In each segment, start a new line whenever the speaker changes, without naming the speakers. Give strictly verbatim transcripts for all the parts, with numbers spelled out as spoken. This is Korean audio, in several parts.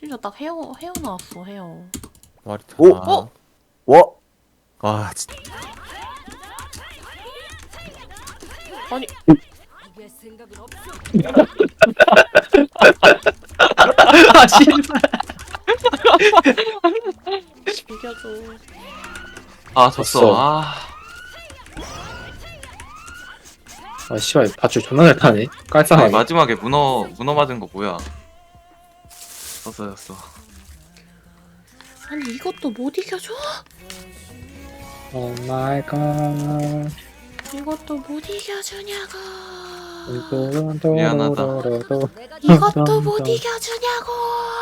심지어 딱 헤어 헤어 나왔어 헤어.
말이 다.
오!
어?
와!
와 진짜.
아니
아 씨발.
이겨줘.
아 졌어.
졌어.
아.
아 씨발 밧줄 존나 잘 타네.
아니,
깔끔하게.
마지막에 문어 문어 맞은 거 뭐야? 졌어 졌어.
아니 이것도 못 이겨줘?
오 마이 갓.
이것도 못 이겨주냐고.
미안하다.
이것도 못 이겨주냐고.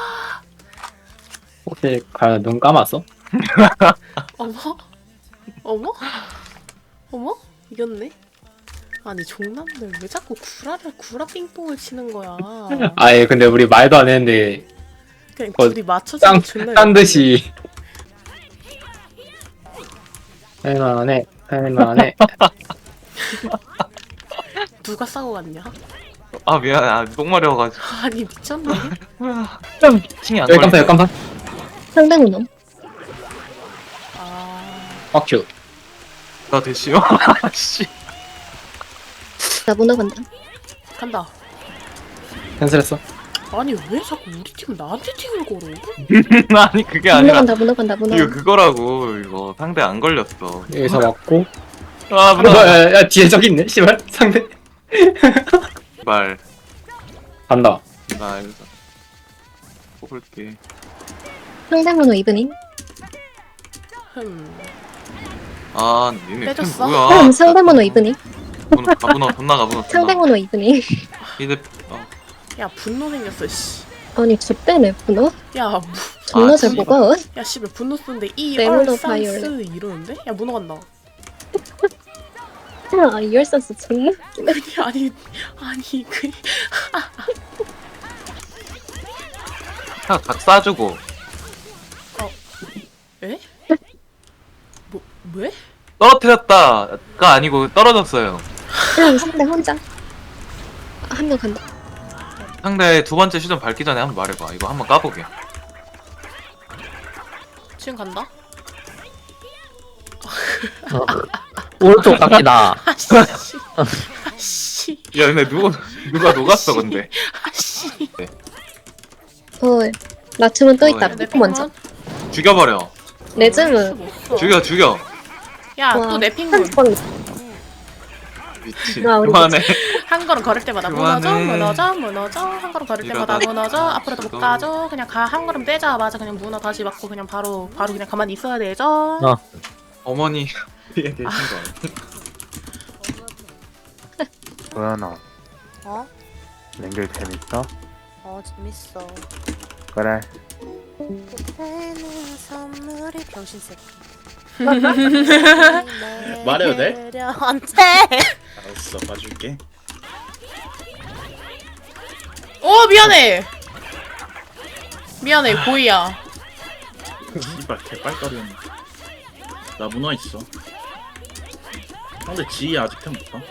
혹시 과연 눈 감았어?
어머? 어머? 어머? 이겼네? 아니 종남들 왜 자꾸 구라를 구라 삥뽕을 치는 거야?
아예 근데 우리 말도 안 했는데
그냥
어,
둘이 맞춰주고
딴,
존나
딴 듯이 할만해 할만해.
누가 싸고 갔냐?
아 미안해. 아 똥마려워가지고.
아니 미쳤네.
팅이 안
여기
걸려.
깜짝이야 깜짝.
상대문어.
아
빡큐.
나 대시요? 씨.
나 문어 간다.
간다.
캔슬했어.
아니 왜 자꾸 우리 팀 나한테 팀을 걸어?
아니 그게
문어
아니라
간다. 문어 간다. 문어.
이거 그거라고. 이거 상대 안 걸렸어.
여기서 맞고.
아
어,
문어.
야, 야 뒤에 저기 있네. 씨발 상대.
말.
간다.
나 여기서 뽑을게.
상대문어 이브닝.
흠.
아 니네 팀
빼줬어?
뭐야?
어, 상대문어 이브닝.
문어 가문어 존나 가문어.
상대문어 이브닝.
이제 어.
야 분노 생겼어 씨.
아니 좆대네 문어.
야 무,
존나
아,
잘
씨발.
먹어.
야 씨발 분노 쓰는데 이
레몬더
얼산스 이러는데? 야 문어 간다.
아 이열산스 존나 웃기네.
아니 아니 그
각, 각 싸주고.
에? 뭐 왜?
떨어뜨렸다가 아니고 떨어졌어요.
그냥 상대 혼자. 한 명 간다.
상대 두 번째 시전 밟기 전에 한번 말해봐. 이거 한번 까보게.
지금 간다?
오른쪽 깎이다.
아씨 아씨
야 근데 누가 누가 녹았어 근데.
아씨.
어 라츠문 또 있다.
어,
내
피코 먼저.
죽여버려.
레즈문.
죽여 죽여.
야또 내 핑문.
한 번.
미친.
아, 우리
그만해.
한 걸음 걸을 때마다 무너져
그만해.
무너져 무너져 한 걸음 걸을 때마다
이러다
무너져 앞으로도 못
이거.
가죠. 그냥 가 한 걸음 떼자마자 그냥 문어 다시 맞고 그냥 바로 바로 그냥 가만히 있어야 되죠.
어.
어머니 뒤에 계신 거 아니야?
도연아,
어?
랭글 재밌어?
어 재밌어.
그래.
그때는 선물이 병신새끼.
말해도 돼?
안 돼.
알았어, 봐줄게.
어 미안해. 미안해 고이야.
이발 개빨거리였네. 나 문어 있어. 근데 지희 아직 템 없다.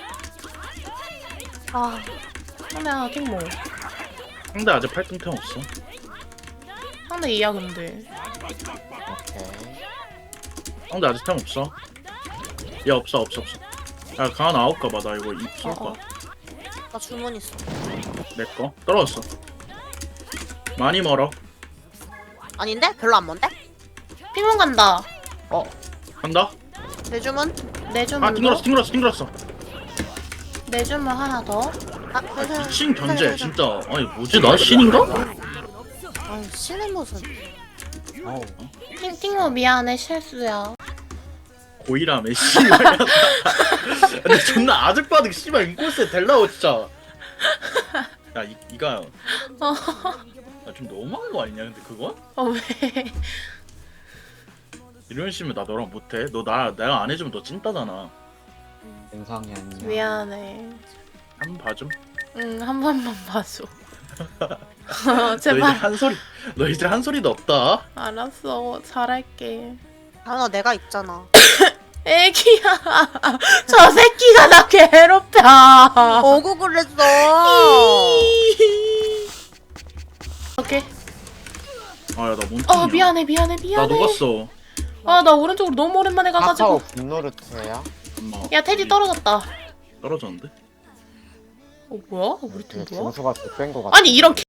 아 상대 팅모
상대 아직 팔등템 없어.
상대 이야 근데.
상대 아직 템 없어. 야 없어 없어 없어. 야 강한 아홉 가봐. 나 이거 입 쏠
어,
거야.
어.
나 주문 있어.
내 거. 떨어졌어. 많이 멀어.
아닌데? 별로 안 먼데?
핑문 간다.
간다.
내 주문?
내
아
주문
튕글었어 튕글었어 튕글었어.
내 주문 하나 더.
아,
아, 미친 견제 진짜. 아니 뭐지 나 신인가?
아유 신의 무슨?
아우
팅 팅모 미안해 실수야.
고이라며 씨발. 근데 존나 아직 봐도 씨발 인코스에 델라오 진짜. 야 이, 이가
어.
야, 좀 너무한 거 아니냐 근데 그거?
어 왜?
이런 식이면 나 너랑 못해. 너 나 내가 안 해주면 너 찐따잖아.
영상이 아니야.
미안해.
한 번 봐줌.
응 한 번만 봐줘. 어,
너 이제
제발.
한 소리. 너 이제 한 소리도 없다.
알았어 잘할게.
당연아 내가 있잖아.
애기야. 저 새끼가 나 괴롭혀.
어구 그랬어.
오케이. 어 미안해 미안해
나
미안해.
녹았어.
아 나 오른쪽으로 너무 오랜만에
카카오
가가지고.
분노르트야?
엄마
야 테디 떨어졌다.
떨어졌는데?
어 뭐야? 우리 팀
그
뭐야?
점수가 뺀거 같아.
아니 이런 개...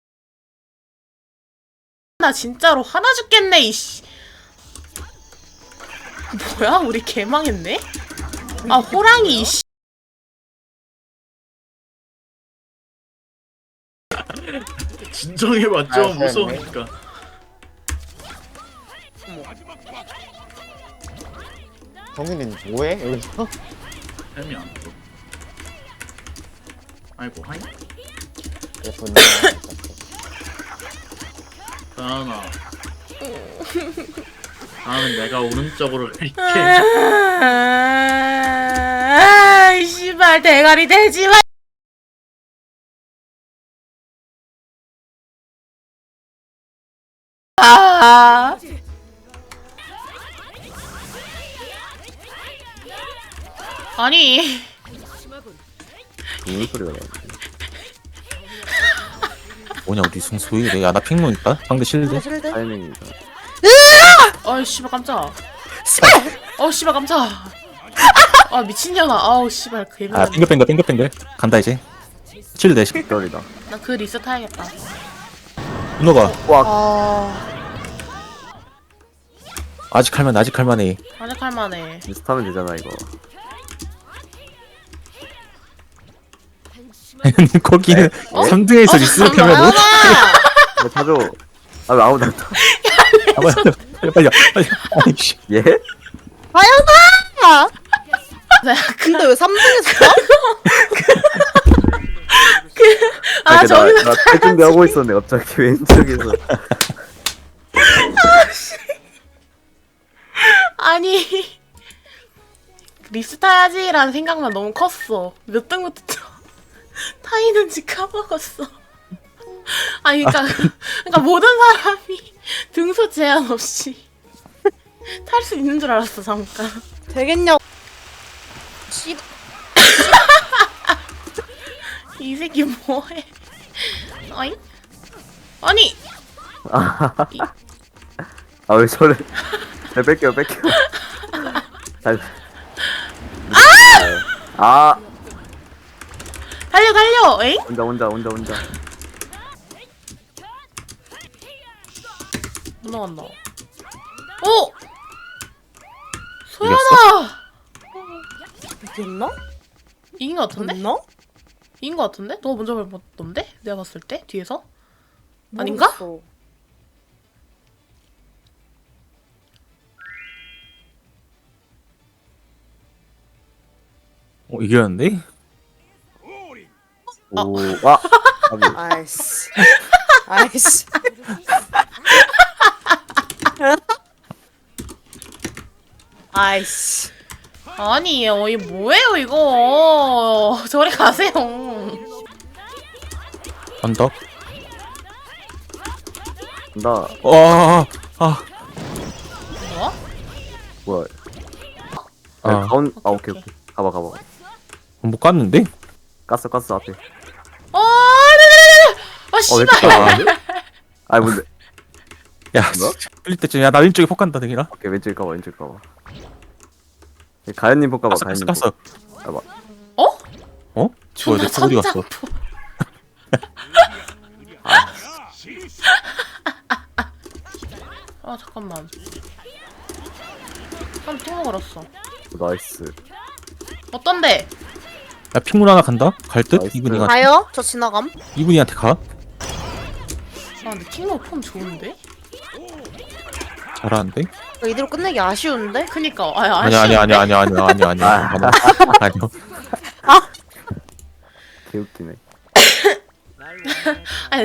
나 진짜로 화나 죽겠네 이씨. 뭐야 우리 개망했네? 아 호랑이 이씨.
진정해봐
아,
좀
그랬네.
무서우니까.
정민이는 뭐해 여기서?
햄이 안 떠. 아이고 하이.
그래 분노.
다은아. 다음은 내가 오른쪽으로 갈게.
아이 씨발 대가리 대지 마. 아. 아니
무슨 소리가 나? 뭐냐 우리 승수 왜 이래? 야나 핑문 있다? 상대 실드?
실드?
타이밍이다.
아이 씨발 깜짝. 어 씨발 깜짝. 아 미친년아. 아우 씨발 그
아 빙글빙글 빙글빙글 간다 이제 실드 대신
떨이다.
나그 리스트 타야겠다.
문어가
아
아직 할만 아직 할만해.
아직 할만해.
비슷하면 되잖아 이거.
거기는 삼 등에서 리스를 하면 뭐?
야, 타줘. 아, 왜 아무도 안 타?
아, 빨리 빨리 빨리 빨리 아니 씨
예?
과연아!
나
근데 왜 삼 등에서 타?
아
이렇게
저기
나, 나탈 준비하고 있었네, 갑자기 왼쪽에서.
아니 리스트 타야지라는 생각만 너무 컸어. 몇 등부터 타이는지 까먹었어. 아니 그러니까 그러니까 모든 사람이 등수 제한 없이 탈 수 있는 줄 알았어 잠깐.
되겠냐고. 씨.
이 새끼 뭐해? 아니 아니
아, 왜 저래? 잘 뺄게요, 뺄게요. 잘. 아! 아!
달려 달려. 에잉?
혼자, 혼자, 혼자, 혼자.
못 나간다. 오! 소연아!
이겼나?
이긴 거 같은데?
됐나?
이긴 거 같은데? 너가 먼저 밟았던데? 내가 봤을 때? 뒤에서? 아닌가?
모르겠어.
어 이겼는데?
오, 와! 아,
아이씨. 아이씨. 아이씨.
아니 어, 이게 뭐예요 이거. 저리 가세요.
언덕
나,
와아 아,
뭐야?
뭐야.
아.
아, 가운, 아,
오케이,
오케이, 오케이. 가봐, 가봐.
못 갔는데?
깠어, 깠어, 앞에.
어, 네네네네. 아
어, 왜
씨발.
깠어? 아, 뭔데?
야
뭐?
흘릴 때쯤 야나 왼쪽에 폭 간다 대기라.
오케이, 왼쪽 가봐, 왼쪽 가봐. 가연님 볼까 봐,
깠어
가연님.
깠어 깠어.
봐봐.
어?
어? 뭐야
존나
내 폭 어디 갔어?
천장포. 아 잠깐만. 한 팅 먹었어.
오, 나이스.
어떤데?
야 핑문 하나 간다? 갈 듯?
나이스.
이분이가
가요? 저 지나감.
이분이한테 가?
아 근데 팅먹 폼 좋은데?
잘하는데?
이거 이대로 끝내기 아쉬운데?
그니까 아
아니야 아니야 아니야 아니야 아니야 아니야 아니야 아니야 아니야
개웃기네.